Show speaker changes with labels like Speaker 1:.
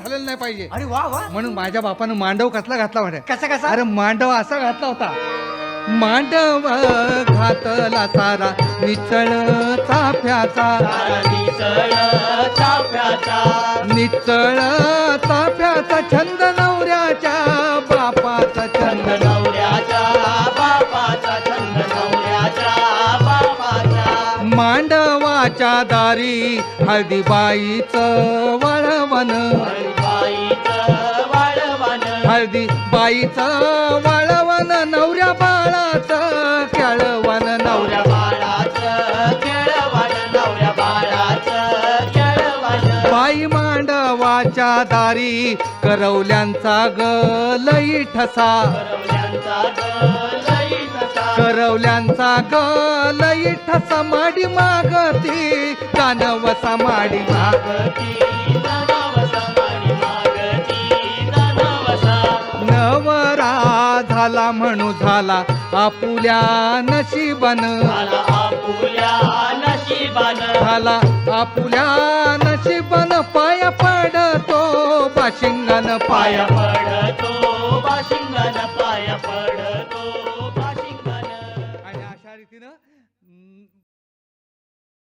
Speaker 1: झालेलं नाही पाहिजे.
Speaker 2: अरे वा वा.
Speaker 1: म्हणून माझ्या बापानं मांडव कसला घातला वाटत.
Speaker 2: कसा कसा.
Speaker 1: अरे मांडव असा घातला होता. मांडव घातला सारा निचळ चाफ्याचा, निचळ चाफ्याचा छंद नवऱ्याच्या बापाचा छंद, मांडवाच्या दारी हळदीबाईचं वळवण, हळदीबाईचं वळवण नवऱ्या बाळाचं केळवण, नवऱ्या बाई मांडवाच्या दारी करवल्यांचा गलई ठसा, करवल्यांचा गलई ठसा माडी मागती कानवसा माडी मागती, नवरा झाला म्हणू झाला आपुल्या नशिबन, झाला आपुल्या नशिबन पाया पडतो बाशिंगान, पाया पडतो